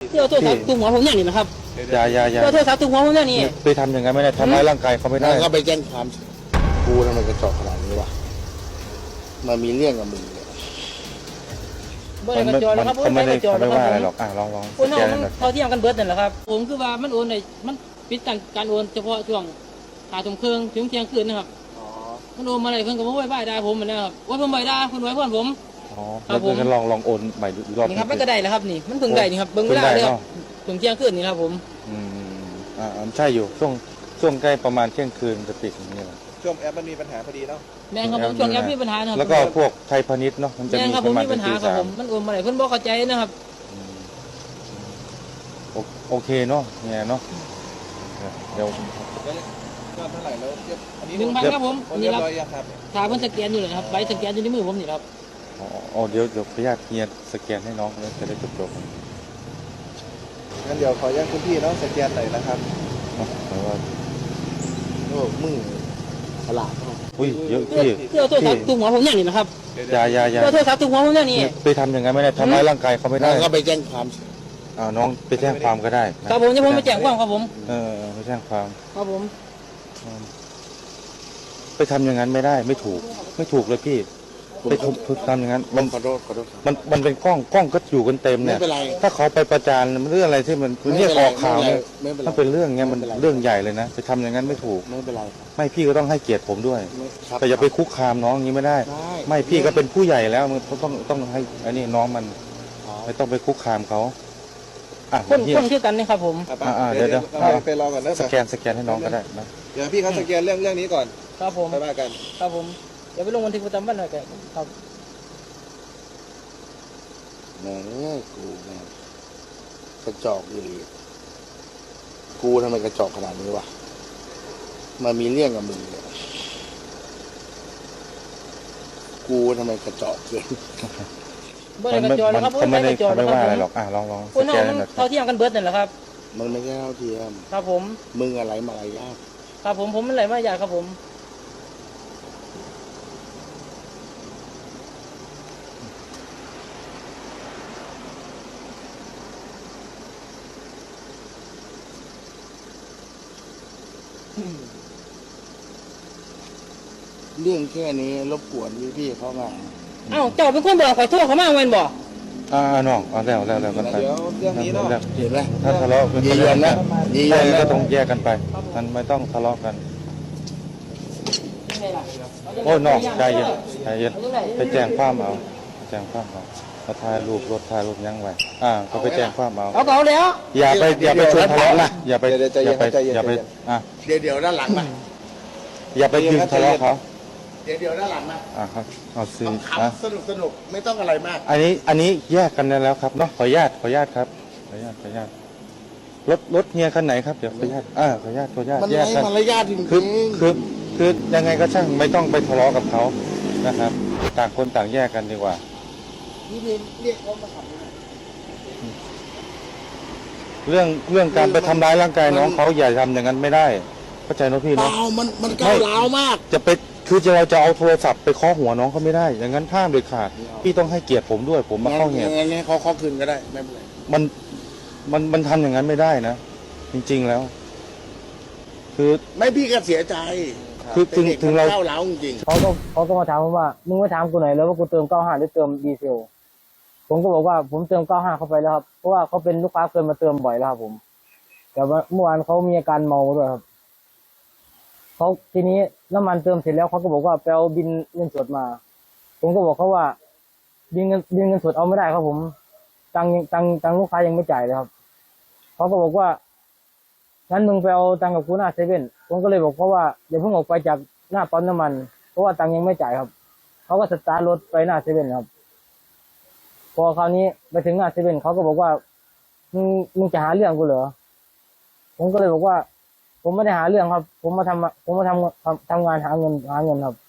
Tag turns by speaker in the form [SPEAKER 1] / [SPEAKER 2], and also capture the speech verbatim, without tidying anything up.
[SPEAKER 1] เที่ยวโทรศัพท์ตุ้มหัวผมอย่างนี้นะครับ
[SPEAKER 2] อย่าอย่าอย่า
[SPEAKER 1] เที่ยวโทรศัพท์ตุ้มหัวผมอย่างนี้
[SPEAKER 2] ไปทำอย่างนั้นไม่ได้ทำร้ายร่างกายเขาไม่ได้
[SPEAKER 3] ก็ไปแจ้งความกูทำไมกระจอกขนาดนี้วะมามีเรื่องกับมึงเนี่ย
[SPEAKER 1] บ่ได้กระจอกนะครับ
[SPEAKER 2] เขาไม่ได้
[SPEAKER 1] กระจอก
[SPEAKER 2] เขา
[SPEAKER 1] นะ
[SPEAKER 2] ไม่
[SPEAKER 1] ค
[SPEAKER 2] ว่า
[SPEAKER 1] รับ
[SPEAKER 2] อะไรหรอกอ่ะลองลอง
[SPEAKER 1] คน
[SPEAKER 2] สแก
[SPEAKER 1] เฮาน มัน
[SPEAKER 2] หน่อย
[SPEAKER 1] เท่าเทียมกันเบิดนั่นแหละครับผมคือว่ามันโอนในมันปิดการโอนเฉพาะช่วงหาทุ่มครึ่งถึงเที่ยงคืนนะครับมันโอนมาอะไรเพิ่นก็บ่ไว้บ่ายได้ผมเหมือนนะครับว่าผมบ่ได้คุณไว้เพื่อนผม
[SPEAKER 2] อ๋อแล้วเพิ่นลองลองโอนใหม่อีกรอบ
[SPEAKER 1] นี่ครับมันก็ได้แล้วครับนี่มันเพิ่งได้นี่ครับเบิ่งเวลาเลยครับถึงเที่ยงคืนนี่ครับผม
[SPEAKER 2] อืมอ่าใช่อยู่ช่วงช่วงใกล้ประมาณเที่ยงคืนจะปิดอย่างนี้แหละ
[SPEAKER 4] ช่วงแอปมันมีปัญหาพอดีเนาะ
[SPEAKER 1] แม่ครับผมช่วงนี้มีปัญหานะครับ
[SPEAKER 2] แล้วก็พวกไทยพาณิชย์เนาะมันจะ
[SPEAKER 1] แม่
[SPEAKER 2] มี
[SPEAKER 1] ครับ
[SPEAKER 2] ป
[SPEAKER 1] ผม
[SPEAKER 2] ระมาณ
[SPEAKER 1] มีปัญหา
[SPEAKER 2] ตี
[SPEAKER 1] ครับ
[SPEAKER 2] สา
[SPEAKER 1] ผม มมันโอนมาอะไรเพิ่นบ่เข้าใจนะครับ
[SPEAKER 2] อืมโอโอเคเนาะเนี่ยเนาะเดี๋ยว
[SPEAKER 4] ก็เท่าไหร่แล้วเรียบอันนี้
[SPEAKER 1] หนึ่งพันครับผม
[SPEAKER 4] โอน
[SPEAKER 1] นี่
[SPEAKER 4] เรีย
[SPEAKER 1] ครับ
[SPEAKER 4] บร้อยยังครับ
[SPEAKER 1] ถ้าเพิ่นสแกนอยู่เลยนะครับใบสแกนอยู่ในมือผมนี่ครับ
[SPEAKER 2] อ๋ออ๋อเดี๋ยวเดี๋ยวพยาธิเฮียสแกนให้น้องแล้วจะได้จบจบ
[SPEAKER 4] งั้นเดี๋ยวขอแยกคุณพี่เนาะสแกนหน่อยนะครับ
[SPEAKER 2] เนาะแต่ว่า
[SPEAKER 3] โอ้มึงฉลาดมาก
[SPEAKER 2] อุ้ยเยอะ
[SPEAKER 1] เที่ยว
[SPEAKER 2] พี่
[SPEAKER 1] เที่ยวโทรศัพท์ตุ้มหัวผมอย่างนี้นะครับ
[SPEAKER 2] อย่าอย่าอย่า
[SPEAKER 1] เที่ยวโทรศัพท์ตุ้มหัวผมอย่างนี้
[SPEAKER 2] ไปทำอย่างนั้นไม่ได้ทำร้ายร่างกายเขาไม่ได้
[SPEAKER 3] ก็ไปแจ้งความ
[SPEAKER 2] อ่าน้องไปแจ้งความก็ได้นะครับ
[SPEAKER 1] ผมจะผมไปแจ้งความครับผม
[SPEAKER 2] เออเออไปแจ้งความ
[SPEAKER 1] ครับผม
[SPEAKER 2] อืมไปทำอย่างนั้นไม่ได้ไม่ถูก ไม่ถูกเลยพี่ไปทุบทุบทำอย่างนั้นมัน
[SPEAKER 3] ขอโทษขอโทษครับ
[SPEAKER 2] มันมันเป็นกล้องกล้องก็อยู่กันเต็ม
[SPEAKER 3] ไม่
[SPEAKER 2] เนี่ย
[SPEAKER 3] เป็นไร
[SPEAKER 2] ถ้าเขาไปประจานมันเรื่องอะไรที่มันเรียกออกข่าวเนี่ย
[SPEAKER 3] ไม่เป็นไร
[SPEAKER 2] ถ้าเป็นเรื่องเงี้ยมัน
[SPEAKER 3] ไม่เป็นไร
[SPEAKER 2] เรื่องใหญ่เลยนะไปทำอย่างนั้นไม่ถูก
[SPEAKER 3] ไม่เป็นไร
[SPEAKER 2] ไม่พี่ก็ต้องให้เกียรติผมด้วย
[SPEAKER 3] ไม่ครับ
[SPEAKER 2] แต่อย่าไปคุกคามน้องอย่างนี้ไม่ได้
[SPEAKER 3] ได้
[SPEAKER 2] ไม่พี่ก็เป็นผู้ใหญ่แล้วมันต้องต้องให้อันนี้น้องมัน
[SPEAKER 3] อ๋อ
[SPEAKER 2] ไม่ต้องไปคุกคามเขาอ่ะ
[SPEAKER 1] คน
[SPEAKER 2] เฮีย
[SPEAKER 1] คนคือกันนี่ครับผม
[SPEAKER 4] อ่ะไป
[SPEAKER 2] อ่าๆเดี๋ยวเดี๋ยว
[SPEAKER 4] ไปไปรอก่อนนะ
[SPEAKER 2] สแกนสแกนให้น้องก็ได้นะ
[SPEAKER 4] เดี๋ยวพี่เขาสแกนเรื่องเรื่องนี้ก่อน
[SPEAKER 1] ครับผม
[SPEAKER 4] ไปว่ากัน
[SPEAKER 1] ครับผมเดี๋ยวไปลงบันทึกประจำวันหน่อยกันครับ
[SPEAKER 3] แม่งเอ้ยกูแม่งกระจอกอยู่ดีกูทำไมกระจอกขนาดนี้วะมามีเรื่องกับมึงเนี่ยกูทำไมกระจอกเกิน
[SPEAKER 1] บ่ได้กระจอกนะครับ
[SPEAKER 2] เขาไม่ได้
[SPEAKER 1] กระจอก
[SPEAKER 2] เขาไม่
[SPEAKER 1] นะค
[SPEAKER 2] ว่า
[SPEAKER 1] รับ
[SPEAKER 2] อะไร
[SPEAKER 1] ผม
[SPEAKER 2] หรอกอ่ะลองลอง
[SPEAKER 1] คน
[SPEAKER 2] ส
[SPEAKER 1] เฮา
[SPEAKER 2] แกน
[SPEAKER 1] มัน
[SPEAKER 2] หน่อย
[SPEAKER 1] เท่าเทียมกันเบิดนั่นแหละครับ
[SPEAKER 3] มันไม่ใช่เท่าเทียม
[SPEAKER 1] ครับผม
[SPEAKER 3] มึงอะไรมาอะไรยาก
[SPEAKER 1] ครับผมผมมันไหลมาอยากครับผม
[SPEAKER 3] เรื่องแค่นี้รบกวนพี่ๆเขาไง
[SPEAKER 1] เอ้าเจ้าเป็นคนบอกขอโทษเขามาแม่นบ่
[SPEAKER 2] อ่าน้องเอาแล้วแล้วแล้วกันไป
[SPEAKER 4] เดี๋ยวเรื่องนี้เนาะ
[SPEAKER 2] แล้ว
[SPEAKER 3] เห็นไหม
[SPEAKER 2] ถ้าทะเลาะกัน
[SPEAKER 3] ยียวนนะยีย
[SPEAKER 2] ใช่
[SPEAKER 3] วนนะ
[SPEAKER 2] ก็ต้องแยกกันไป มันไม่ต้องทะเลาะกัน
[SPEAKER 1] ยังไงล่ะ
[SPEAKER 2] โอ้ยน้องใจเย็นใจเย็นไปแจ้งความเอาไปแจ้งความเอามาถ่ายรูปรถถ่ายรูปยังไว้อ่าก็ไปแจ้งความเอา
[SPEAKER 1] เอาเก่าแล้ว
[SPEAKER 2] อย่าไปอย่าไปชวนทะเลาะนะอย่าไป
[SPEAKER 4] เดี๋ยวใจ
[SPEAKER 2] อ
[SPEAKER 4] เย็
[SPEAKER 2] ย่าน ไป
[SPEAKER 4] ใจเย็น
[SPEAKER 2] อย่าไป
[SPEAKER 4] ใจเย็น
[SPEAKER 2] อ่ะ
[SPEAKER 3] เดี๋ยวเดี๋ยวด้านหลังมา
[SPEAKER 2] อย่าไปดึงทะเลาะเขา
[SPEAKER 3] เดี๋ยวเดี๋ยวด้านหลังมา
[SPEAKER 2] อ่าครับเอาซื้อ
[SPEAKER 3] ต้อง
[SPEAKER 2] อ่ะ
[SPEAKER 3] ขำสนุกสนุกไม่ต้องอะไรมาก
[SPEAKER 2] อันนี้อันนี้แยกกันได้แล้วครับเนาะขออนุญาตขออนุญาตครับขออนุญาตขออนุญาตรถรถเฮียคันไหนครับเดี๋ยวขออนุญาตอ่าขออนุญาตขออนุญาต
[SPEAKER 3] มัน
[SPEAKER 2] แย
[SPEAKER 3] ไร้
[SPEAKER 2] กกัน
[SPEAKER 3] มารยาทจริง
[SPEAKER 2] คือ
[SPEAKER 3] ๆ
[SPEAKER 2] คือคือยังไงก็ช่างไม่ต้องไปทะเลาะกับเขานะครับ ต่างคนต่างแยกกันดีกว่า
[SPEAKER 3] นี่เรียกเรียกเขามาขับนะ
[SPEAKER 2] เรื่องเรื่องการไปทำร้ายร่างกายน้องเขาอย่าทำอย่างนั้นไม่ได้เข้าใจเนอะพี่
[SPEAKER 3] เป
[SPEAKER 2] เนาะ
[SPEAKER 3] ล่ามันมันก้าวร้าวมาก
[SPEAKER 2] จะไปคือจะเราจะเอาโทรศัพท์ไปเคาะหัวน้องเขาไม่ได้ อย่างนั้นห้ามเด็ดขาดพี่ต้องให้เกียรติผมด้วย ผมมาเข้าเหตุ
[SPEAKER 3] งั้นงั้นเขาเขาคืนก็ได้ไม่เป็นไร
[SPEAKER 2] มันมันมันทำอย่างนั้นไม่ได้นะ จริงๆแล้ว คือ
[SPEAKER 3] ไม่พี่ก็เสียใจ
[SPEAKER 2] คือถึง
[SPEAKER 3] แต่ด็ก
[SPEAKER 2] ถึงเรา
[SPEAKER 3] ก้าวร้าวจริง
[SPEAKER 1] เขาก็เขาก็มาถามผมว่ามึงมาถามกูหน่อยแล้วว่ากูเติมเก้าห้าหรือเติมดีเซลผมก็บอกว่าผมเติมเก้าห้าเข้าไปแล้วครับเพราะว่าเขาเป็นลูกค้าเคยมาเติมบ่อยแล้วครับผมแต่ว่าเมื่อวานเขามีอาการเมาด้วยครับเขาทีนี้น้ำมันเติมเสร็จแล้วเขาก็บอกว่าไปเอาบินเงินสดมา ผมก็บอกเขาว่าบินเงินบินเงินสดเอาไม่ได้ครับผมตังค์ยังตังค์ตังค์ลูกค้ายังไม่จ่ายเลยครับเขาก็บอกว่างั้นมึงไปเอาตังค์กับกูหน้าเซเว่นผมก็เลยบอกเขาว่าอย่าเพิ่งออกไปจากหน้าปั๊มน้ำมันเพราะว่าตังค์ยังไม่จ่ายครับเขาก็สตาร์ทรถไปหน้าเซเว่นครับพอคราวนี้ไปถึงหน้าเซเว่นเขาก็บอกว่ามึงมึงจะหาเรื่องกูเหรอผมก็เลยบอกว่าผมไม่ได้หาเรื่องครับ ผมมาทำผมมาทำทำทำงานหาเงินหาเงินครับ